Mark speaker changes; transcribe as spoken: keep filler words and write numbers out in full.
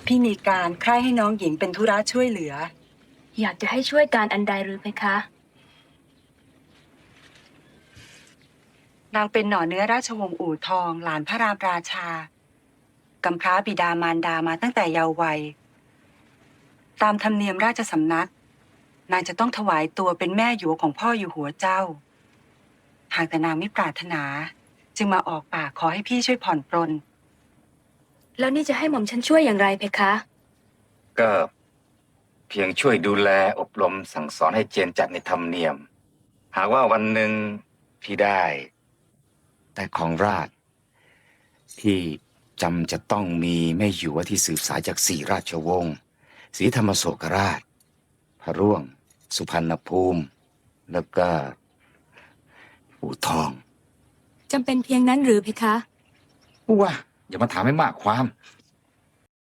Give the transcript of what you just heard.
Speaker 1: พี่มีการใคร่ให้น้องหญิงเป็นธุระช่วยเหลือ
Speaker 2: อยากจะให้ช่วยการอันใดหรือไหมคะ
Speaker 1: นางเป็นหน่อเนื้อราชวงศ์อู่ทองหลานพระรามราชากำพร้าบิดามารดามาตั้งแต่เยาว์วัยตามธรรมเนียมราชสำนักนางจะต้องถวายตัวเป็นแม่หยวของพ่ออยู่หัวเจ้าหากแต่นางไม่ปรารถนาจึงมาออกปากขอให้พี่ช่วยผ่อนปรน
Speaker 2: แล้วนี่จะให้หม่อมฉันช่วยอย่างไรเพคะ
Speaker 3: ก็เพียงช่วยดูแลอบรมสั่งสอนให้เจนจัดในธรรมเนียม หากว่าวันหนึ่งพี่ได้แต่ของราชย์ที่จำจะต้องมีแม่หยวที่สืบสายจากสี่ราชวงศ์ศรีธรรมโศกราช พระร่วง สุพรรณภูมิ แล้วก็อู่ทอง
Speaker 2: จำเป็นเพียงนั้นหรือเพคะ
Speaker 3: ว่าอย่ามาถามให้มากความ